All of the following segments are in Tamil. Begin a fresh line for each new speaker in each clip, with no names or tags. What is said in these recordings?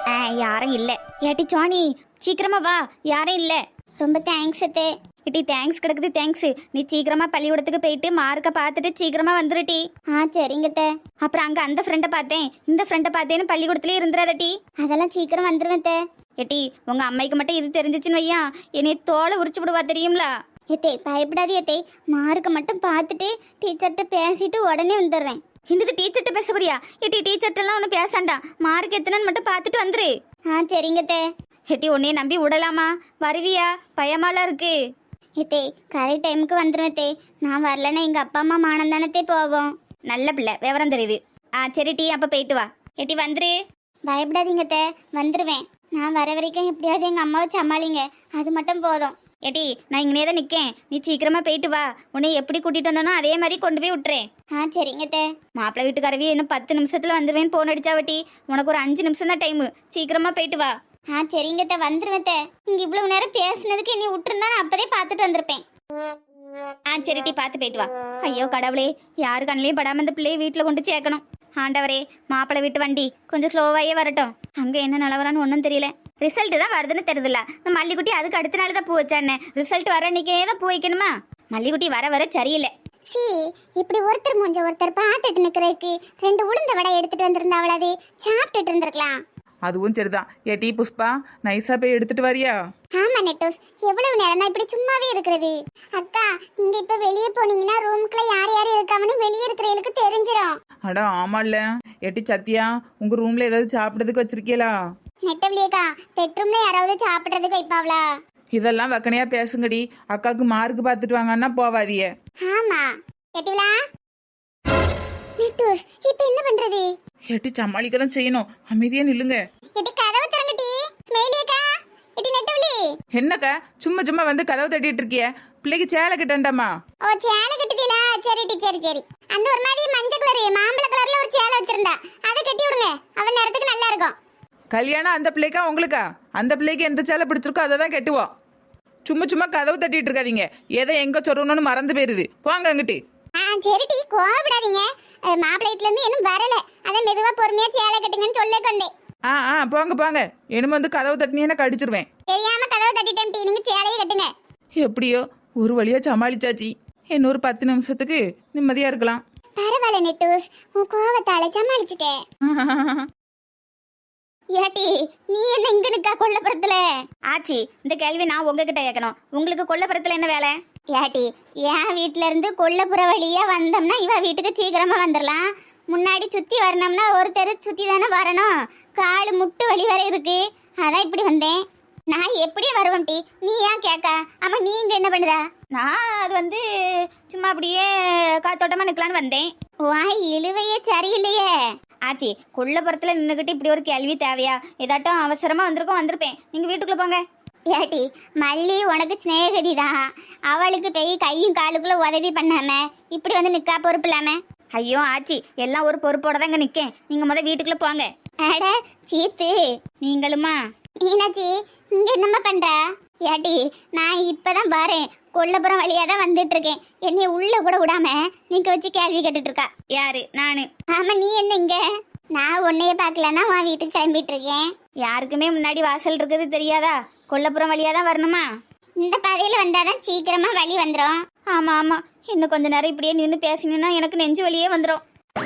யாரும் இல்ல. ஏட்டி சோனி சீக்கிரமா வா, யாரும் இல்ல.
ரொம்ப தேங்க்ஸ் அத்தே.
இட்டி தேங்க்ஸ் கிடக்குது தேங்க்ஸ். நீ சீக்கிரமா பள்ளிக்கூடத்துக்கு போயிட்டு மார்க்கை பார்த்துட்டு சீக்கிரமா வந்துருட்டி.
சரிங்க அத்தே.
அப்புறம் அங்க அந்த ஃப்ரெண்டை பார்த்தேன் இந்த ஃப்ரெண்டை பார்த்தேன்னு பள்ளிக்கூடத்துலயே இருந்துடாதட்டி.
அதெல்லாம் சீக்கிரம் வந்துருவேன் அத்தே.
ஏட்டி உங்க அம்மைக்கு மட்டும் இது தெரிஞ்சிச்சுன்னு வையா என்னை தோலை உரிச்சு விடுவா தெரியும்ல.
ஏத்தே பயப்படாதே ஏத்தே, மார்க்கை மட்டும் பார்த்துட்டு டீச்சர்கிட்ட பேசிட்டு உடனே வந்துடுறேன்.
இன்னது டீச்சர்கிட்ட பேச போறியா? ஏட்டி டீச்சர்ட்டெல்லாம் ஒன்றும் பேசாண்டா, மார்க் எத்தனைன்னு மட்டும் பார்த்துட்டு வந்துரு.
சரிங்க அத்தே.
ஏட்டி உன்னைய நம்பி விடலாமா? வருவியா? பயமாலாம் இருக்கு.
ஏத்தே கரெக்ட் டைமுக்கு வந்துடுவேன் அத்தே. நான் வரலன்னா எங்கள் அப்பா அம்மா மானம் தானே போவோம்.
நல்ல பிள்ளை, விவரம் தெரியுது. சரி டீ அப்போ போயிட்டு வா. ஏட்டி வந்துரு.
பயப்படாதீங்க அத்தே, வந்துடுவேன். நான் வர வரைக்கும் எப்படியாவது எங்கள் அம்மாவை சமாளிங்க, அது மட்டும் போதும்.
ஏட்டி நான் இங்கனே தான் நிற்கேன், நீ சீக்கிரமா போயிட்டு வா. உன்னை எப்படி கூட்டிட்டு வந்தனோ அதே மாதிரி கொண்டு போய் விட்டுறேன்.
சரிங்க அத்தே.
மாப்பிள்ளை வீட்டுக்காரவி இன்னும் 10 நிமிஷத்துல வந்துடுவேன்னு போன் அடிச்சாவட்டி. உனக்கு ஒரு 5 நிமிஷம் தான் டைமு, சீக்கிரமா போயிட்டு வா.
சரிங்க அத்தே, வந்துடுவேன் அத்தே. நீங்கள் இவ்வளவு நேரம் பேசுனதுக்கு என்னை விட்டுருந்தா நான் அப்போதே பார்த்துட்டு வந்திருப்பேன்.
சரி டீ பார்த்து போயிட்டு வா. ஐயோ கடவுளே, யாரு கண்ணிலையும் படாம இந்த பிள்ளையை வீட்டில் கொண்டு சேர்க்கணும். ஆண்டவரே, மாப்பிள்ளை வீட்டு வண்டி கொஞ்சம் ஸ்லோவாயே வரட்டும். அங்கே என்ன நிலவரான்னு ஒன்றும் தெரியல. ரிசல்ட் தான் வருதுன்னு தெரியுதுல்ல. இந்த மல்லிக்குட்டி அதுக்கு அடுத்த நாள் தான் பூ வச்சானே. ரிசல்ட் வர அன்னைக்கே தான் பூ வைக்கணுமா? மல்லிக்குட்டி வர வர சரியில்லை.
இப்படி ஒருத்தர் மூஞ்ச ஒருத்தர் பார்த்துட்டு நிற்கிறதுக்கு 2 உளுந்த வடை எடுத்துட்டு வந்திருந்தா அவளாது சாப்பிட்டுட்டு இருந்திருக்கலாம்.
அதுவும் சரிதான். ஏட்டி புஷ்பா, நைஸா போய் எடுத்துட்டு வரியா?
ஆமா நெட்டோஸ், எவ்வளவு நேரம் தான் இப்படி சும்மாவே இருக்கிறது? அக்கா, நீங்க இப்ப வெளியே போனீங்கன்னா ரூமுக்குள்ள யார் யார் இருக்காங்கன்னு வெளியே இருக்கிறவங்களுக்கு தெரிஞ்சிடும்.
அடா ஆமால்ல. ஏட்டி சத்யா, உங்க ரூம்ல ஏதாவது சாப்பிட்றதுக்கு வச்சிருக்கீங்களா?
நெட்டவளியக்கா, பெட்ரூம்ல யாராவது சாப்பிட்றதுக்கு வைப்பாவளா?
இதெல்லாம் வக்கனையா பேசுங்கடி. அக்காவுக்கு மார்க் பார்த்துட்டு வாங்கன்னா போவாதிய.
ஆமா நெட்டவளா. நெட்டோஸ், இப்ப என்ன பண்றது?
ஏட்டி சமாளிக்க தான் செய்யணும். அமைதியா நில்லுங்க.
எட்டி கதவு திறங்கடி. ஸ்மைலியக்கா, எட்டி நெட்டவளி.
என்னக்கா சும்மா சும்மா வந்து கதவு தட்டிட்டு இருக்கிய? பிள்ளைக்கு சேலை கிட்டண்டாமா?
சேலை கட்டுதீங்களா? சரி சரி. அந்த ஒரு மாதிரி மஞ்சள் கலர் மாம்பழ கலர்ல ஒரு சேலை வச்சிருந்தா, அதை கட்டி விடுங்க. அவன் நேரத்துக்கு நல்லா இருக்கும்.
கல்யாணம் அந்த பிள்ளைக்கா உங்களுக்கா? அந்த பிள்ளைக்கு எந்த சேலை பிடிச்சிருக்கோ அதை தான் கட்டுவோம். சும்மா சும்மா கதவு தட்டிட்டு இருக்காதீங்க. எதை எங்க சொல்லணும்னு மறந்து போயிருது. போங்க அங்கிட்டு.
சரிடி, கோவப்படாதீங்க. மாப்பிள்ளைட்ல இருந்து இன்னும் வரல, அதை மெதுவா பொறுமையா சேலை கட்டுங்கன்னு சொல்ல வந்தேன்.
போங்க போங்க. இனிமே வந்து கதவு தட்டினீங்கன்னா கடிச்சிருவேன்.
தெரியாம கதவை தட்டிட்டேன் டி, நீங்க சேலையை கட்டுங்க.
எப்படியோ ஒரு வழியா சமாளிச்சாச்சு. இன்னொரு 10 நிமிஷத்துக்கு நிம்மதியா இருக்கலாம்.
பரவாயில்ல நெட்டூஸ், உன் கோவத்தால சமாளிச்சுட்டேன். ஏட்டி நீ என்ன இங்க நிக்கா கொல்லப்புறத்துல?
ஆச்சி, இந்த கேள்வி நான் உங்ககிட்ட கேட்கணும். உங்களுக்கு கொல்லப்புறத்துல என்ன வேலை?
ஏட்டி, என் வீட்டுல இருந்து கொல்லப்புற வழியா வந்தோம்னா இவ வீட்டுக்கு சீக்கிரமா வந்துடலாம். முன்னாடி சுத்தி வரணும்னா ஒரு தெரு சுத்தி தானே வரணும். காலு முட்டு வலி வரை இருக்கு, அதான் இப்படி வந்தேன். நான் எப்படி வருவேன் டி, நீ ஏன் கேட்க? ஆமா நீ இங்க என்ன பண்ணுதா?
நான் அது வந்து சும்மா அப்படியே காத்தோட்டமா நிக்கலான்னு வந்தேன்.
வாய் இழுவையே சரியில்லையே.
ஆச்சி, கொல்லப்புறத்துல நின்றுக்கிட்டு இப்படி ஒரு கேள்வி தேவையா? ஏதாட்டும் அவசரமா வந்திருப்பேன். நீங்க வீட்டுக்குள்ள போங்க.
ஏட்டி, மல்லி உனக்கு சிநேகதி தான். அவளுக்கு போய் கையும் காலுக்குள்ள உதவி பண்ணாம இப்படி வந்து நிக்கா பொறுப்பு இல்லாம?
ஐயோ ஆச்சி, எல்லாம் ஒரு பொறுப்போட தான் இங்க நிக்கேன். நீங்க வீட்டுக்குள்ள போங்க.
அட சீத்து,
நீங்களுமா?
மீனாட்சி, இங்க என்னம்மா பண்ற? ஏட்டி, நான் இப்பதான் வரேன். கொல்லப்புறம் வழியா தான் வந்துட்டு இருக்கேன். என்னைய உள்ள கூட விடாம நீங்க வச்சு கேள்வி கேட்டுட்டு இருக்கா.
யாரு? நானு.
ஆமா, நீ என்ன இங்க? நான் உன்னைய பாக்கலன்னா உன் வீட்டுக்கு கிளம்பிட்டு இருக்கேன்.
யாருக்குமே முன்னாடி வாசல் இருக்குது தெரியாதா? கொல்லப்புறம் வழியா தான் வரணுமா?
இந்த பாதையில வந்தாதான் சீக்கிரமா வழி வந்துடும்.
ஆமா ஆமா, இன்னும் கொஞ்ச நேரம் இப்படியே நின்று பேசினா எனக்கு நெஞ்சு வலியே வந்துடும்.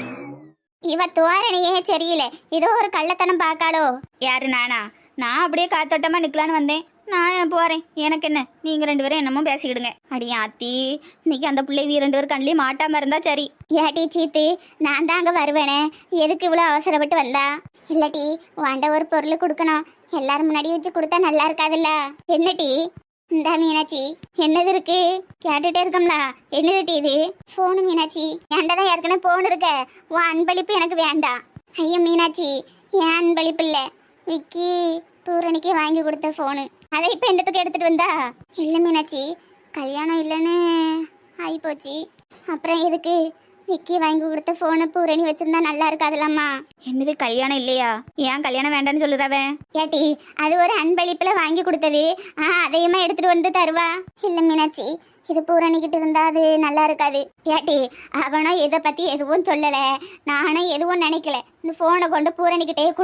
இவ தோரணையே சரியில்லை, ஏதோ ஒரு கள்ளத்தனம் பார்க்காளோ?
யாரு? நானா? நான் அப்படியே காத்தோட்டமா நிக்கலான்னு வந்தேன். நான் போறேன், எனக்கு என்ன? நீங்க 2 பேரும் என்னமோ பேசிக்கிடுங்க. அடியா ஆத்தி, இன்னைக்கு அந்த பிள்ளை 2 பேரும் கண்ணிலே மாட்டாம இருந்தா சரி.
ஏட்டி சீத்து, நான் தான் அங்க வருவேனே, எதுக்கு இவ்வளவு அவசரப்பட்டு வந்தா? இல்லட்டி வாண்ட ஒரு பொருள் கொடுக்கணும், எல்லாரும் முன்னாடி வச்சு கொடுத்தா நல்லா இருக்காதுல்ல. என்னடி? இந்த மீனாட்சி, என்னது இருக்கு? கேட்டுட்டே இருக்கோம்ல, என்னது டி இது? போனு மீனாட்சி, ஏன்டதான் ஏற்கனவே போன் இருக்க. உன் அன்பளிப்பு எனக்கு வேண்டாம். ஐயோ மீனாட்சி, என் அன்பளிப்பு இல்ல, விக்கி பூரணிக்கு வாங்கி கொடுத்த போனு. அதை இப்ப என்னத்துக்கு எடுத்துட்டு வந்தா? இல்ல மீனாட்சி, கல்யாணம் இல்லைன்னு ஆயிப்போச்சு. அப்புறம் எதுக்கு விக்கி வாங்கி கொடுத்த போனை பூரணி வச்சிருந்தா நல்லா இருக்காதுல்லம்மா.
என்னது கல்யாணம் இல்லையா? ஏன் கல்யாணம் வேண்டான்னு சொல்லுதாவ?
ஏட்டி, அது ஒரு அன்பளிப்புல வாங்கி கொடுத்தது, அதையுமா எடுத்துட்டு வந்து தருவா? இல்ல மீனாட்சி, இது பூரணிக்கிட்டு இருந்தா அது நல்லா இருக்காது. ஏட்டி, அவனும் இதை பத்தி எதுவும் சொல்லல, நானும் எதுவும் நினைக்கல. இந்த போனை கொண்டு பூரணிக்கிட்டே கொடு,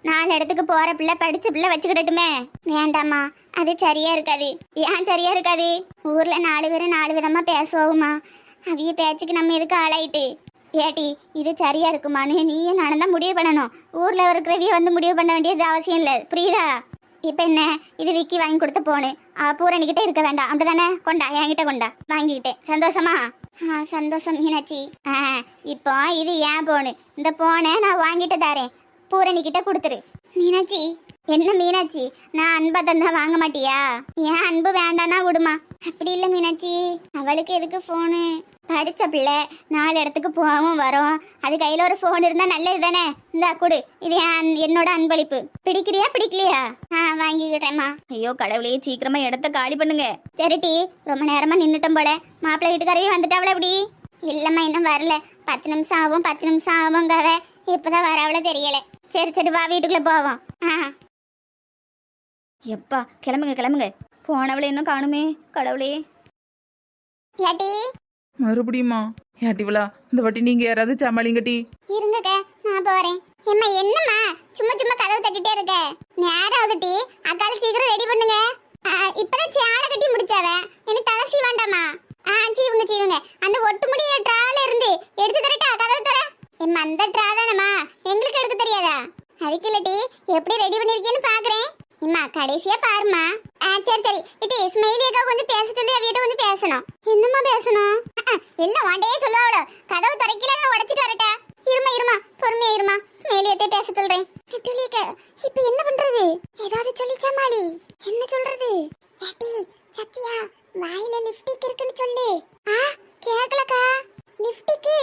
4 இடத்துக்கு போற பிள்ளை படிச்ச பிள்ளை வச்சுக்கிடட்டுமே. வேண்டாம்மா, அது சரியா இருக்காது. ஏன் சரியா இருக்காது? ஊர்ல 4 பேரும் 4 விதமா பேசுவோமா, அவிய பேச்சுக்கு நம்ம எதுக்கு ஆளாயிட்டு? ஏட்டி, இது சரியா இருக்குமான்னு நீயும் நானும் தான் முடிவு பண்ணணும். ஊர்ல இருக்கிறவிய வந்து முடிவு பண்ண வேண்டியது அவசியம் இல்லை, புரியுதா? இப்போ என்ன, இது விக்கி வாங்கி கொடுத்த போனு பூரணிக்கிட்ட இருக்க வேண்டாம், அப்படிதானே? கொண்டா, என்கிட்ட கொண்டா, வாங்கிக்கிட்டேன். சந்தோஷமா? சந்தோஷம் மீனாட்சி. இப்போ இது ஏன் போனு, இந்த போனை நான் வாங்கிட்டு தரேன், பூரணிக்கிட்ட கொடுத்துரு. மீனாட்சி. என்ன மீனாட்சி, நான் அன்பா தந்தா வாங்க மாட்டியா? ஏன் அன்பு வேண்டானா விடுமா. அப்படி இல்லை மீனாட்சி, அவளுக்கு எதுக்கு ஃபோனு? படித்த பிள்ளை 4 இடத்துக்கு போகவும் வரும், அது கையில் ஒரு ஃபோன் இருந்தால் நல்லது தானே. இந்தா கொடு, இது என்னோட அன்பளிப்பு. பிடிக்கிறியா பிடிக்கலையா? வாங்கிக்கிட்டேம்மா.
ஐயோ கடவுளே, சீக்கிரமா இடத்த காலி பண்ணுங்க.
சரிட்டி, ரொம்ப நேரமாக நின்றுட்டோம் போல. மாப்பிள்ளை வீட்டுக்காரையும் வந்துட்டாவள? எப்படி? இல்லைம்மா, இன்னும் வரல. 10 நிமிஷம் ஆகும் 10 நிமிஷம் ஆகுங்காவ, இப்போதான் வரவள தெரியல. சரி சரி, வா வீட்டுக்குள்ளே போவோம்.
எப்பா கிளம்புங்க கிளம்புங்க, போனவளை இன்னும் காணுமே. கடவுளே.
ஏட்டி.
மறுபடியுமா? ஏட்டிவளா, இந்த வாட்டி நீங்க யாராவது சமாளிங்கட்டி.
இருங்கக்க, நான் போறேன். ஏம்மா என்னம்மா சும்மா சும்மா கதவு தட்டிட்டே இருக்க? நேரம் ஆகுதுட்டி, அக்கால சீக்கிரம் ரெடி பண்ணுங்க. இப்பதான் சேலை கட்டி முடிச்சாவ, எனக்கு தலை சீவாண்டாமா? சீவுங்க. அந்த ஒட்டு முடிய ட்ரால இருந்து எடுத்து தரட்டா? கதவு தர. எம்மா அந்த ட்ரா தானம்மா, எங்களுக்கு எடுக்க தெரியாதா? அதுக்கு இல்லட்டி, எப்படி ரெடி பண்ணிருக்கேன்னு பாக்குறேன். இம்மா கடைசியா பாருமா. சரி இட்டி, ஸ்மைலி அக்கா கொஞ்சம் பேச சொல்லி அவியிட்ட கொஞ்சம் பேசணும். என்னம்மா பேசணும்? எல்லாம் வாண்டையே சொல்லுவாளோ, கதவு திறக்கல உடைச்சிட்டு வரட்டா? இருமா பொறுமையா இருமா, ஸ்மைலியத்தை பேச சொல்றேன். இப்ப என்ன பண்றது? ஏதாவது சொல்லி சமாளி. என்ன சொல்றது? ஏட்டி சத்தியா, வாயில லிப்ஸ்டிக் இருக்குன்னு சொல்லு. கேக்கலக்கா. லிப்ஸ்டிக்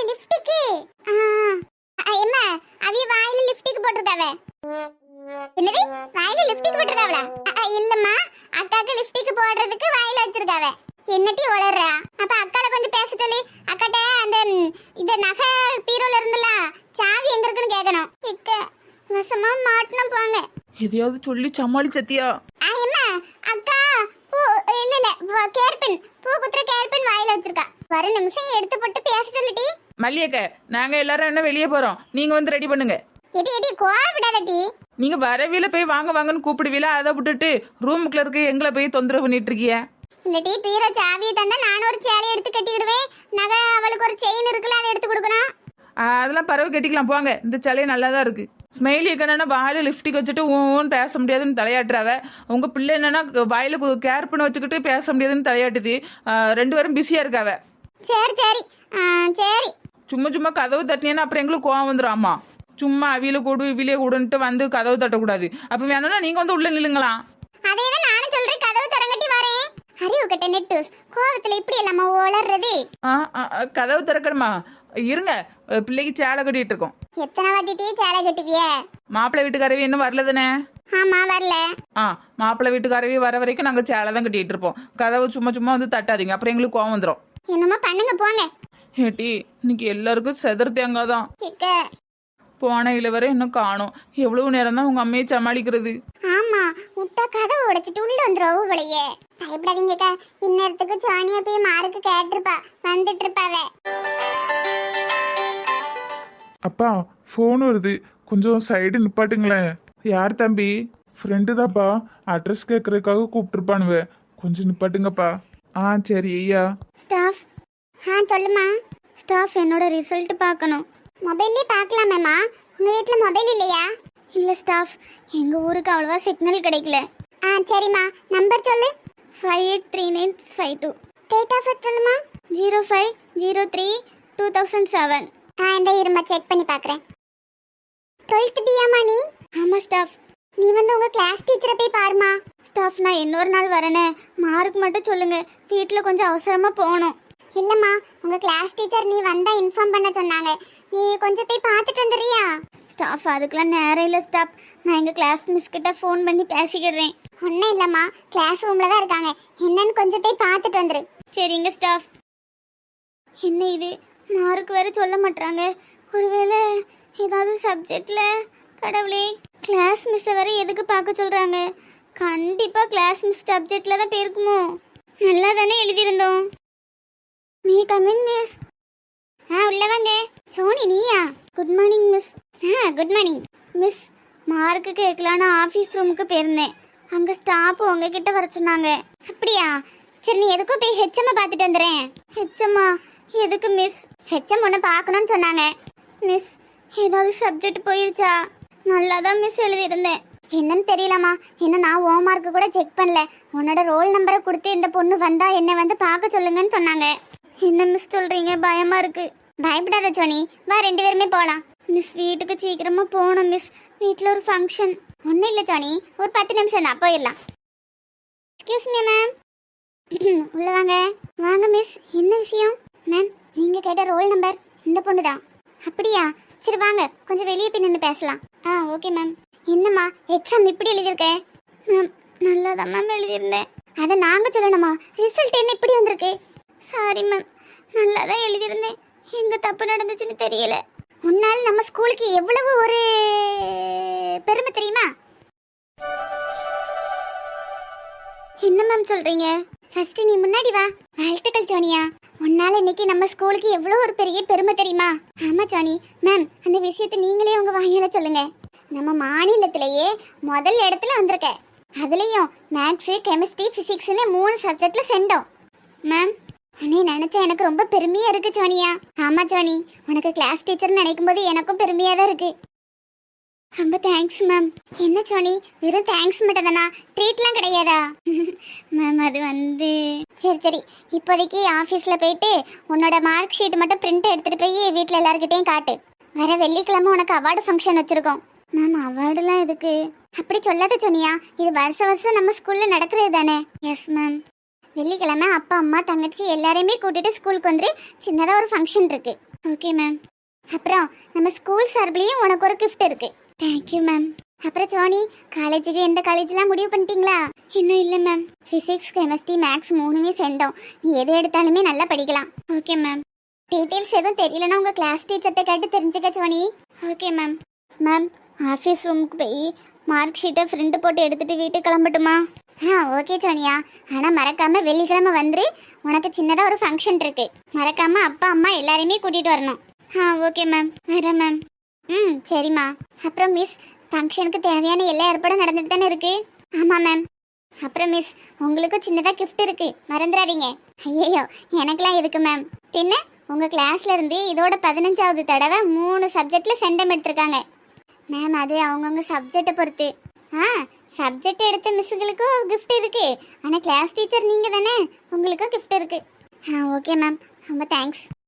அம்மா, அவிய வாயில லிப்ஸ்டிக் போட்டிருக்காவ. என்னது, வாயில லிப்ஸ்டிக் போட்டிருக்காவளா? இல்லம்மா, அக்காக்கு லிப்ஸ்டிக் போடுறதுக்கு வாயில வச்சிருக்காவ. என்னட்டி வளர்றா? அப்ப அக்கால கொஞ்சம் பேச சொல்லி அக்காட்ட அந்த இந்த நகை பீரோல இருந்துல சாவி எங்க இருக்குன்னு கேட்கணும். இக்க வசமா மாட்டணும் போங்க.
எதையாவது சொல்லி சமாளி சத்தியா.
அம்மா, அக்கா பூ இல்ல கேர்பின், பூ குத்துற கேர்பின் வாயில வச்சிருக்கா. வர நிமிஷம் எடுத்து போட்டு பேச சொல்லிட்டி.
மல்லியக்க, நாங்க எல்லாரும் என்ன வெளியே போறோம், நீங்க வந்து ரெடி பண்ணுங்க.
எடி கோவப்படாதடி.
நீங்க வரவில போய் வாங்கன்னு கூப்பிடுவீல, அதை விட்டுட்டு ரூமுக்குள்ள இருக்க எங்களை போய் தொந்தரவு பண்ணிட்டு இருக்கீங்க.
இல்லடி, பீரோ சாவியை தந்தா நான் ஒரு சேலையை எடுத்து கட்டிக்கிடுவேன். நகை அவளுக்கு ஒரு செயின் இருக்குல்ல, அதை எடுத்து கொடுக்கணும்.
அதெல்லாம் பறவை கட்டிக்கலாம் போங்க, இந்த சேலையே நல்லா தான் இருக்கு. ஸ்மைலி என்னன்னா வாயில லிப்ஸ்டிக் வச்சுட்டு ஊன்னு பேச முடியாதுன்னு தலையாட்டுறாவ. உங்க பிள்ளை என்னன்னா வாயில கேர் பண்ண வச்சுக்கிட்டு பேச முடியாதுன்னு தலையாட்டுது. 2 பேரும் பிஸியா இருக்காவ.
சரி சரி.
சும்மா கதவு தட்டினேன்னா அப்புறம் எங்களுக்கு கோவம் வந்துடும். சும்மா அவியில கூடு இவிலே கூடுன்ட்டு வந்து கதவு தட்டக்கூடாது. அப்ப வேணும்னா நீங்க வந்து உள்ள நில்லுங்களா.
அதேதான் நானும் சொல்றேன், கதவு திறங்கட்டி வரேன். அறிவு கட்ட நெட்டூஸ், கோவத்துல இப்படி எல்லாமா ஓளறது?
கதவு திறக்கணுமா? இருங்க, பிள்ளைக்கு சேலை கட்டிட்டு இருக்கோம்.
எத்தனை வாட்டிட்டே சேலை கட்டுவிய?
மாப்பிள்ளை வீட்டுக்காரவி இன்னும் வரல தானே?
ஆமா வரல.
மாப்பிள்ளை வீட்டுக்காரவி வர வரைக்கும் நாங்க சேலை தான் கட்டிட்டு இருப்போம். கதவு சும்மா வந்து தட்டாதீங்க, அப்புறம் எங்களுக்கு கோவம் வந்துடும்.
என்னமா பண்ணுங்க போங்க.
ஏட்டி, இன்னைக்கு எல்லாருக்கும் செதர் தேங்காய் தான். போன இளவரை இன்னும் காணோம். எவ்வளவு நேரம் தான் உங்க அம்மையை சமாளிக்கிறது?
ஆமா, முட்டை கதவை உடைச்சிட்டு உள்ள வந்துரும் போலயே. பயப்படாதீங்கக்கா, இந்நேரத்துக்கு சோனியா போய் மாருக்கு கேட்டிருப்பா, வந்துட்டு இருப்பாவ.
அப்பா ஃபோன் வருது, கொஞ்சம் சைடு நிப்பாட்டுங்களேன். யார் தம்பி? ஃப்ரெண்டு தான்ப்பா, அட்ரஸ் கேட்கறதுக்காக கூப்பிட்டுருப்பானுவ, கொஞ்சம் நிப்பாட்டுங்கப்பா. சரி ஐயா.
ஸ்டாஃப். சொல்லுமா. ஸ்டாஃப், என்னோட ரிசல்ட் பார்க்கணும். மொபைல்லே பார்க்கலாமேம்மா, உங்கள் வீட்டில் மொபைல் இல்லையா? இல்லை ஸ்டாஃப், எங்கள் ஊருக்கு அவ்வளோவா சிக்னல் கிடைக்கல. சரிம்மா, நம்பர் சொல்லு. 583952. டேட் ஆஃப் பர்த் சொல்லுமா. 05/03/2007. இந்த இருமா செக் பண்ணி பார்க்குறேன். 12th பியாமா நீ? ஆமாம் ஸ்டாஃப். நீ வந்து உங்கள் கிளாஸ் டீச்சரை போய் பாருமா. ஸ்டாஃப், நான் இன்னொரு நாள் வரேனே, மார்க் மட்டும் சொல்லுங்கள், வீட்டில் கொஞ்சம் அவசரமாக போகணும். இல்லைம்மா, உங்கள் கிளாஸ் டீச்சர் நீ வந்தால் இன்ஃபார்ம் பண்ண சொன்னாங்க, நீ கொஞ்சம் போய் பார்த்துட்டு வந்துடுறியா? ஸ்டாஃப், அதுக்கெலாம் நேரம் இல்லை ஸ்டாஃப், நான் எங்கள் கிளாஸ் மிஸ் கிட்ட ஃபோன் பண்ணி பேசிக்கிடுறேன். ஒன்றும் இல்லைம்மா, கிளாஸ் ரூமில் தான் இருக்காங்க, என்னன்னு கொஞ்சம் போய் பார்த்துட்டு வந்துரு. சரிங்க ஸ்டாஃப். என்ன இது, மார்க் வேறு சொல்ல மாட்டாங்க, ஒருவேளை ஏதாவது சப்ஜெக்டில்? கடவுளே, கிளாஸ் மிஸ்ஸை வேறு எதுக்கு பார்க்க சொல்கிறாங்க? கண்டிப்பாக கிளாஸ் மிஸ் சப்ஜெக்டில் தான் போயிருக்குமோ? நல்லா தானே எழுதியிருந்தோம். Me come in miss. உள்ள வாங்க. சோனி நீயா? Good morning miss. Good morning miss. Mark கேட்கலான்னு ஆஃபீஸ் ரூமுக்கு போயிருந்தேன். அங்கே ஸ்டாஃப் உங்ககிட்ட வர சொன்னாங்க. அப்படியா? சரி, நீ எதுக்கும் போய் ஹெச்எம்மை பார்த்துட்டு வந்துடுறேன். ஹெச்எம்மா? எதுக்கு மிஸ்? ஹெச்எம் ஒன்று பார்க்கணும்னு சொன்னாங்க. மிஸ், ஏதாவது சப்ஜெக்ட் போயிருச்சா? நல்லா தான் மிஸ் எழுதியிருந்தேன். என்னன்னு தெரியலம்மா, இன்னும் நான் ஹோம் மார்க்கு கூட செக் பண்ணல. உன்னோட ரோல் நம்பரை கொடுத்து இந்த பொண்ணு வந்தா என்னை வந்து பார்க்க சொல்லுங்கன்னு சொன்னாங்க. என்ன மிஸ் சொல்றீங்க? பயமா இருக்கு. பயப்படாத சோனி, வா 2 பேருமே போகலாம். மிஸ், வீட்டுக்கு சீக்கிரமா போகணும் மிஸ். வீட்டில் ஒரு ஃபங்க்ஷன். ஒன்றும் இல்லை சோனி, ஒரு 10 நிமிஷம் தான், போயிடலாம். Excuse me ma'am. உள்ள வாங்க. வாங்க மிஸ், என்ன விஷயம்? மேம், நீங்கள் கேட்ட ரோல் நம்பர் இந்த பொண்ணு தான். அப்படியா? சரி வாங்க, கொஞ்சம் வெளியே போய் நின்று பேசலாம். Okay ma'am. என்னம்மா எக்ஸாம் இப்படி எழுதியிருக்கேன்? மேம், நல்லா தான் மேம் எழுதியிருந்தேன். அதை நாங்கள் சொல்லணுமா? ரிசல்ட் என்ன இப்படி வந்திருக்கு? சாரி மேம், நல்லா தான் எழுதியிருந்தேன். எங்கே தப்பு நடந்துச்சுன்னு தெரியல. உன்னால் நம்ம ஸ்கூலுக்கு எவ்வளவு ஒரு பெருமை தெரியுமா? என்ன மேம் சொல்கிறீங்க? ஃபர்ஸ்ட் நீ முன்னாடி வா. வாழ்த்துக்கள் சோனியா, உன்னால இன்னைக்கு நம்ம ஸ்கூலுக்கு எவ்வளோ ஒரு பெரிய பெருமை தெரியுமா? ஆமாம் சோனி. மேம், அந்த விஷயத்தை நீங்களே உங்கள் வாயால சொல்லுங்க. நம்ம மாநிலத்திலேயே முதல் இடத்துல வந்திருக்க. அதுலேயும் மேக்ஸு, கெமிஸ்ட்ரி, ஃபிசிக்ஸ்னு 3 சப்ஜெக்டில் சென்றோம். மேம், உன்னை நினச்சா எனக்கு ரொம்ப பெருமையாக இருக்குது சோனியா. ஆமாம் சோனி, உனக்கு கிளாஸ் டீச்சர்னு நினைக்கும் போது எனக்கும் பெருமையாக தான் இருக்குது. ரொம்ப தேங்க்ஸ் மேம். என்ன சோனி, வெறும் தேங்க்ஸ் மட்டும் தானா? ட்ரீட்லாம் கிடையாதா? மேம், அது வந்து சரி, இப்போதைக்கு ஆஃபீஸில் போயிட்டு உன்னோட மார்க் ஷீட் மட்டும் பிரிண்ட் எடுத்துகிட்டு போய் வீட்டில் எல்லாருக்கிட்டையும் காட்டு. வர வெள்ளிக்கிழமை உனக்கு அவார்டு ஃபங்க்ஷன் வச்சுருக்கோம். மேம், அவார்டுலாம் எதுக்கு? அப்படி சொல்லாத சோனியா, இது வருஷம் நம்ம ஸ்கூலில் நடக்கிறது தானே? Yes ma'am. வெள்ளிக்கிழமை அப்பா, அம்மா, தங்கச்சி எல்லாரையுமே கூட்டிட்டு ஸ்கூலுக்கு வந்து சின்னதாக ஒரு ஃபங்க்ஷன் இருக்கு. Okay ma'am. அப்புறம் நம்ம ஸ்கூல் சார்பிலையும் உனக்கு ஒரு கிஃப்ட் இருக்கு. Thank you ma'am. அப்புறம் சோனி, காலேஜுக்கு எந்த காலேஜ்லாம் முடிவு பண்ணிட்டீங்களா? இன்னும் இல்லை மேம். ஃபிசிக்ஸ், கெமிஸ்ட்ரி, மேக்ஸ் 3மே சென்றோம். நீ எது எடுத்தாலுமே நல்லா படிக்கலாம். Okay ma'am. டீட்டெயில்ஸ் எதுவும் தெரியலன்னா உங்கள் கிளாஸ் டீச்சர்கிட்ட கேட்டு தெரிஞ்சுக்க Soni. Okay ma'am. Ma'am, office ரூமுக்கு போய் மார்க் ஷீட்டை ஃப்ரிண்ட் போட்டு எடுத்துகிட்டு வீட்டுக்கு கிளம்பட்டுமா? ஓகே சோனியா, ஆனால் மறக்காமல் வெள்ளிக்கிழமை வந்துரு. உனக்கு சின்னதாக ஒரு ஃபங்க்ஷன் இருக்கு. மறக்காமல் அப்பா, அம்மா எல்லாரையுமே கூட்டிகிட்டு வரணும். ஓகே மேம், வரேன் மேம். சரிம்மா. அப்புறம் மிஸ், ஃபங்க்ஷனுக்கு தேவையான எல்லா ஏற்பாடும் நடந்துட்டு தானே இருக்கு? ஆமாம் மேம். அப்புறம் மிஸ், உங்களுக்கும் சின்னதாக கிஃப்ட் இருக்கு, மறந்துடாதீங்க. ஐயோ, எனக்கெலாம் இருக்கு மேம். பின்ன உங்கள் கிளாஸ்ல இருந்து இதோட 15வது தடவை 3 சப்ஜெக்டில் சென்டம் எடுத்திருக்காங்க மேம். அது அவங்கவுங்க சப்ஜெக்டை பொறுத்து. சப்ஜெக்ட் எடுத்த மிஸ்ஸுங்களுக்கும் கிஃப்ட் இருக்கு. ஆனால் கிளாஸ் டீச்சர் நீங்கள் தானே, உங்களுக்கும் கிஃப்ட் இருக்கு. ஓகே மேம், ரொம்ப தேங்க்ஸ்.